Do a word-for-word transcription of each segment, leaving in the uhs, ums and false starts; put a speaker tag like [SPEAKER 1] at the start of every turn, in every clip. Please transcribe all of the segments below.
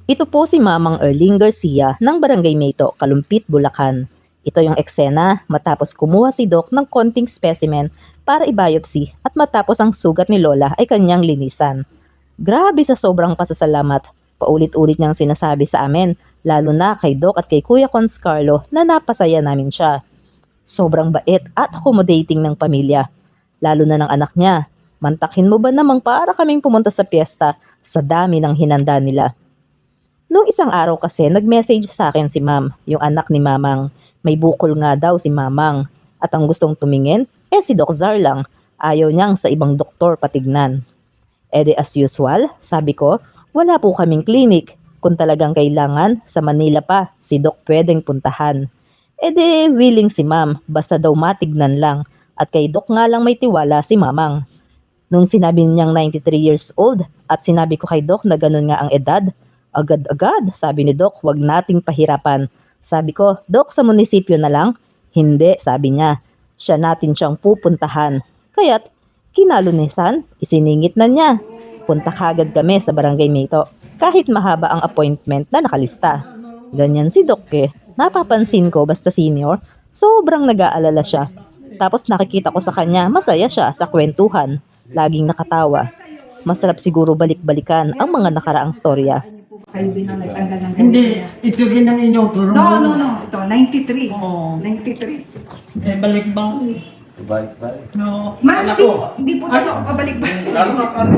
[SPEAKER 1] Ito po si Mamang Erling Garcia ng Barangay Mayto, Kalumpit, Bulacan. Ito yung eksena matapos kumuha si Doc ng konting specimen para i-biopsy at matapos ang sugat ni Lola ay kanyang linisan. Grabe sa sobrang pasasalamat, paulit-ulit niyang sinasabi sa amin, lalo na kay Doc at kay Kuya Cons Carlo na napasaya namin siya. Sobrang bait at accommodating ng pamilya, lalo na ng anak niya. Mantakin mo ba namang para kaming pumunta sa piyesta sa dami ng hinanda nila. Noong isang araw kasi, nag-message sa akin si Ma'am, yung anak ni Mamang. May bukol nga daw si Mamang. At ang gustong tumingin, eh si Doc Zar lang. Ayaw niyang sa ibang doktor patignan. E de as usual, sabi ko, wala po kaming clinic. Kung talagang kailangan, sa Manila pa, si Doc pwedeng puntahan. E de willing si Ma'am, basta daw matignan lang. At kay Doc nga lang may tiwala si Mamang. Nung sinabi niyang ninety-three years old at sinabi ko kay Doc na ganun nga ang edad, agad-agad, sabi ni Doc, wag nating pahirapan. Sabi ko, Doc, sa munisipyo na lang? Hindi, sabi niya. Siya natin siyang pupuntahan. Kaya't, kinalunisan, isiningit na niya. Punta kagad kami sa Barangay Mayto, kahit mahaba ang appointment na nakalista. Ganyan si Doc eh. Napapansin ko basta senior, sobrang nag-aalala siya. Tapos nakikita ko sa kanya, masaya siya sa kwentuhan. Laging nakatawa. Masarap siguro balik-balikan ang mga nakaraang storya.
[SPEAKER 2] Kayo din ang nagtanggal ng ganito.
[SPEAKER 3] Hindi, ito rin ang inyong turo.
[SPEAKER 2] No, no, no. Ito, ninety-three.
[SPEAKER 3] Oo.
[SPEAKER 2] ninety-three.
[SPEAKER 3] Eh, balik ba?
[SPEAKER 4] Balik, balik.
[SPEAKER 3] No.
[SPEAKER 2] Ma, hindi po, hindi po totoo. Pabalik ba?
[SPEAKER 4] Lalo na parang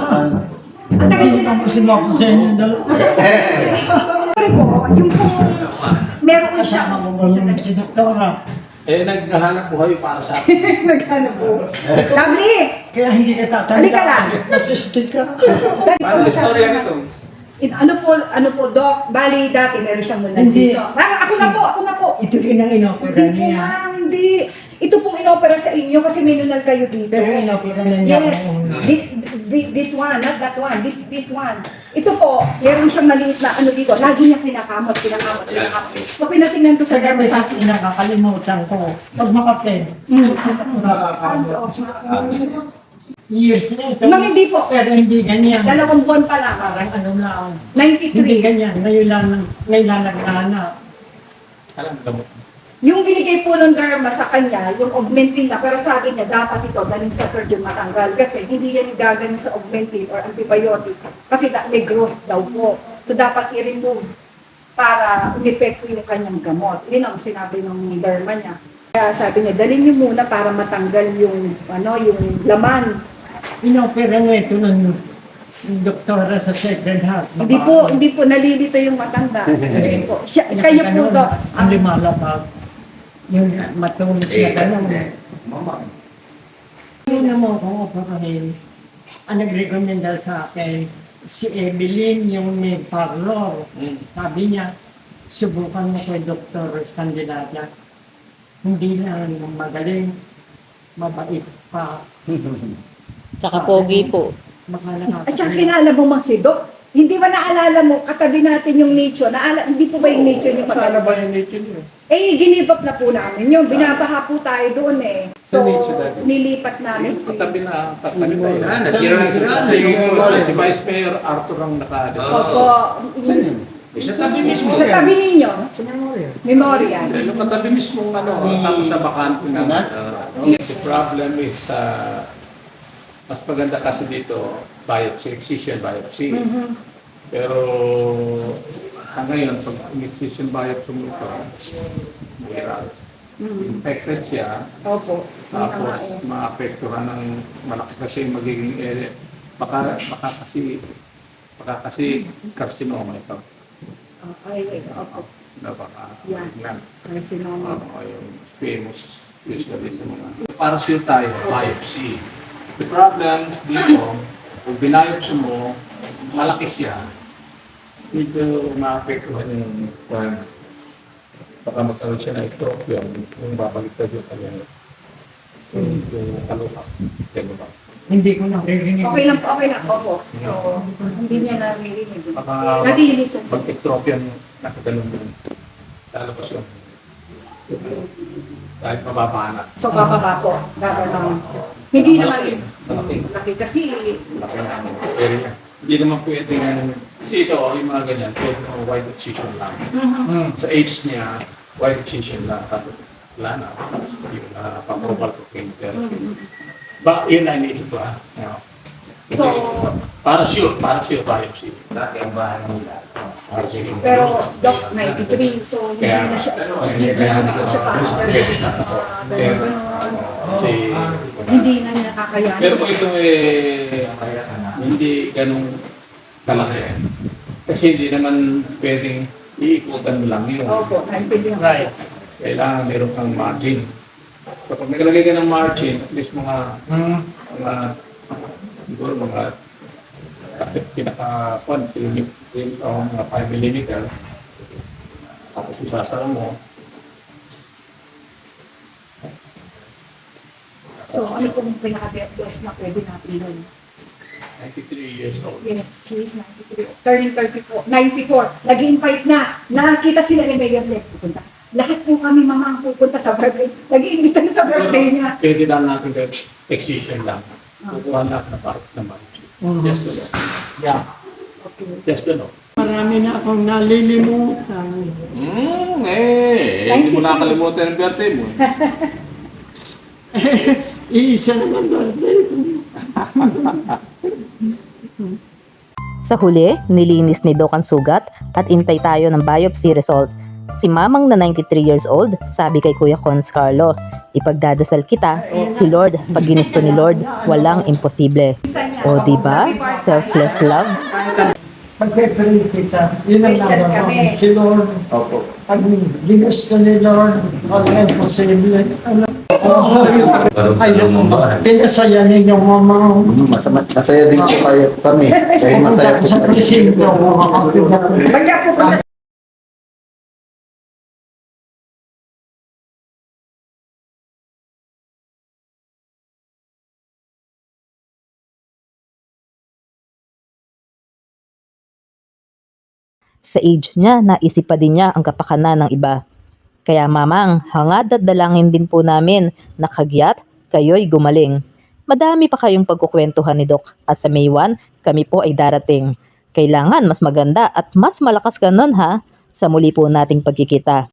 [SPEAKER 2] Ang tagal
[SPEAKER 3] Hindi
[SPEAKER 2] nila.
[SPEAKER 3] ko kasi mo ako sa inyong dalawa.
[SPEAKER 2] Sorry po, yung po, meron siya.
[SPEAKER 3] Kasama mo ba yung si Doktora?
[SPEAKER 4] Eh, naghahanap buhay para sa akin.
[SPEAKER 2] Naghanap po. Lovely!
[SPEAKER 3] Kaya hindi ka tatanda.
[SPEAKER 2] Halika lang.
[SPEAKER 3] Nasistig ka.
[SPEAKER 4] Paano istorya nito?
[SPEAKER 2] In, ano po, ano po, Doc, bali dati meron siyang nunal
[SPEAKER 3] Hindi.
[SPEAKER 2] dito. Ah, ako na po, ako na po.
[SPEAKER 3] Ito rin ang inopera
[SPEAKER 2] Hindi po,
[SPEAKER 3] niya.
[SPEAKER 2] ma'am, hindi. Ito pong inopera sa inyo kasi may nunal kayo dito.
[SPEAKER 3] Pero inopera na niya.
[SPEAKER 2] Yes, Thi- thi- this one, not that one, this this one. Ito po, meron siyang maliit na ano dito. Lagi niya kinakamot, kinakamot, kinakamot. So pinatingnan ko sa
[SPEAKER 3] Sa gabi
[SPEAKER 2] dermatologist.
[SPEAKER 3] kasi nakakalimutan ko. Pag makapin.
[SPEAKER 2] Mm.
[SPEAKER 3] Nakakakamot. Years na ito.
[SPEAKER 2] Ma'am, hindi po.
[SPEAKER 3] Pero hindi ganyan.
[SPEAKER 2] Dalawang buwan pa lang.
[SPEAKER 3] Parang ano lang. Hindi
[SPEAKER 2] ninety-three.
[SPEAKER 3] ganyan. Ngayon lang, ngayon lang naghahanap.
[SPEAKER 4] Alam, gamot.
[SPEAKER 2] Yung binigay po ng derma sa kanya, yung augmentin na, pero sabi niya, dapat ito galing sa surgeon matanggal. Kasi hindi yan gagaling sa augmentin or antibiotic. Kasi da- may growth daw po. So dapat i-remove para umepekto yung kanyang gamot. Yun ang sinabi ng derma niya. Kaya sabi niya, dalhin niyo muna para matanggal yung, ano, yung laman.
[SPEAKER 3] Inopera na ito ng doktora sa Sacred Heart.
[SPEAKER 2] Hindi po, hindi po, nalilito yung matanda. Hindi po. Siya, kayo po,
[SPEAKER 3] Ganun,
[SPEAKER 2] Dok.
[SPEAKER 3] Ang limalabag. Yung matulis na gano'n.
[SPEAKER 4] Mama.
[SPEAKER 3] Yun naman ko, operahin. Ang nag-recommenda sa akin, si Evelyn, yung may parlor.
[SPEAKER 4] Hmm.
[SPEAKER 3] Sabi niya, subukan mo kay Doktor Scandinavia. Hindi lang magaling, mabait pa.
[SPEAKER 1] Tsaka pogi po.
[SPEAKER 3] Baka
[SPEAKER 2] At saka kilala mo mga si Doc. Hindi ba naalala mo, katabi natin yung nature. Naala, hindi po ba yung nature yung
[SPEAKER 4] Sana
[SPEAKER 2] maganda?
[SPEAKER 4] ba yung nature niyo?
[SPEAKER 2] Eh, ginib up na po namin yun. Binabaha po tayo doon eh.
[SPEAKER 4] Sa nature dati?
[SPEAKER 2] nilipat namin.
[SPEAKER 4] Yung katabi na katabi tayo.
[SPEAKER 5] Ah, nasira na sira.
[SPEAKER 4] Si, si Vice Mayor Arthur ang naka...
[SPEAKER 2] Opo.
[SPEAKER 4] Saan yun?
[SPEAKER 5] Sa tabi mismo.
[SPEAKER 2] Sa tabi ninyo,
[SPEAKER 3] Sa memorial.
[SPEAKER 2] memorial.
[SPEAKER 4] Eh, Yung katabi mismo ano, tapos sa bakante naman. Uh, the problem is, uh, mas maganda kasi dito, biopsy, excision biopsy.
[SPEAKER 2] Mhm.
[SPEAKER 4] Pero sa ngayon, pag excision biopsy mo ito, mahirap.
[SPEAKER 2] Mhm.
[SPEAKER 4] Infected siya,
[SPEAKER 2] Opo. Yun na nga
[SPEAKER 4] tapos
[SPEAKER 2] eh.
[SPEAKER 4] maapektuhan ng malaki kasi magiging area. Baka, baka kasi, baka kasi carcinoma ito.
[SPEAKER 2] Okay, opo.
[SPEAKER 4] Na baka,
[SPEAKER 2] Yeah.
[SPEAKER 4] malignant.
[SPEAKER 2] Carcinoma.
[SPEAKER 4] Uh, yung squamous usually sa mga. Para sure tayo, biopsy. The problem dito, kung biopsy mo, malaki siya, dito maapektuhan yung uh, baka magkaroon siya ng ectropion, yung babaliktad yung kanyang yung, yung kalupa. Ganun ba?
[SPEAKER 3] Hindi ko naririnig.
[SPEAKER 2] Okay lang po, okay lang. Opo. So, hindi niya naririnig.
[SPEAKER 4] Baka
[SPEAKER 2] Nagilisan.
[SPEAKER 4] mag-ectropion nakaganon yun. Lalabas yun. Kahit mababa na.
[SPEAKER 2] So, bababa po. Bababa. Hindi naman
[SPEAKER 4] Malaki. Malaki.
[SPEAKER 2] laki kasi
[SPEAKER 4] Laki na ano. Pero hindi naman pwedeng Kasi ito, yung mga ganyan, pwede mo white excision lang.
[SPEAKER 2] Mhm.
[SPEAKER 4] Sa age niya, white excision lang. Tapos, wala na. Yung uh, pang-oval to chemotherapy. Ba, yun na iniisip ko ah. Yeah. Kasi,
[SPEAKER 2] So-
[SPEAKER 4] para sure, para sure biopsy.
[SPEAKER 6] Dati ang bahay nila.
[SPEAKER 4] Para sure.
[SPEAKER 2] Pero, Doc, ninety-three, so hindi
[SPEAKER 4] Kaya-
[SPEAKER 2] na siya,
[SPEAKER 4] Kaya-
[SPEAKER 2] hindi na siya pa.
[SPEAKER 4] Kaya- Hindi,
[SPEAKER 2] Hindi na niya kakayanin.
[SPEAKER 4] pero kung ito eh, hindi ganun kalaki. Kasi hindi naman pwedeng iikutan mo lang yun.
[SPEAKER 2] Opo, naintindihan ko.
[SPEAKER 3] Right.
[SPEAKER 4] Kailangan meron kang margin. So pag naglagay ka ng margin, at least mga,
[SPEAKER 3] Mm.
[SPEAKER 4] mga, siguro mga, kahit pinaka, one, o mga five millimeter, tapos isasara mo,
[SPEAKER 2] So, ano pong pinaka-best na pwede natin yun?
[SPEAKER 4] ninety-three years old.
[SPEAKER 2] Yes, she is ninety-three. Turning thirty-four, ninety-four. Nag-invite na. Nakita sila ni Mayor Leg. Pupunta. Lahat po kami mama ang pupunta sa birthday. Nag-iimbita na sa birthday niya.
[SPEAKER 4] Pwede lang natin kahit excision lang. Kukuha na na part naman. Just to know.
[SPEAKER 3] Yeah.
[SPEAKER 2] Okay.
[SPEAKER 4] Just to know.
[SPEAKER 3] Marami na akong nalilimutan.
[SPEAKER 4] Hmm, eh, eh, hindi mo nakalimutan ang birthday mo.
[SPEAKER 3] Iisa naman birthday ko.
[SPEAKER 1] Sa huli, nilinis ni Doc ang sugat at intay tayo ng biopsy result. Si mamang na ninety-three years old, sabi kay Kuya Cons Carlo, ipagdadasal kita, si Lord, pag ginusto ni Lord, walang imposible. O diba? Selfless love.
[SPEAKER 3] Pagpe-pray kita, yun ang
[SPEAKER 2] Christian
[SPEAKER 3] naman
[SPEAKER 2] kami.
[SPEAKER 3] ko. Si Lord,
[SPEAKER 6] Opo.
[SPEAKER 3] pag ginusto ni Lord, wala imposible. Alam
[SPEAKER 6] Parang
[SPEAKER 3] Ay,
[SPEAKER 6] yung mga.
[SPEAKER 3] pinasaya ninyo mama.
[SPEAKER 6] Hmm, masama, masaya din po kayo kami. Dahil masaya po
[SPEAKER 3] Sa
[SPEAKER 6] kami.
[SPEAKER 3] presinto, makakapit ako.
[SPEAKER 2] Pagka pupunta
[SPEAKER 1] Sa age niya, naisip pa din niya ang kapakanan ng iba. Kaya mamang, hangad at dalangin din po namin na kagyat, kayo'y gumaling. Madami pa kayong pagkukwentuhan ni Doc at sa May first, kami po ay darating. Kailangan mas maganda at mas malakas ka nun ha, sa muli po nating pagkikita.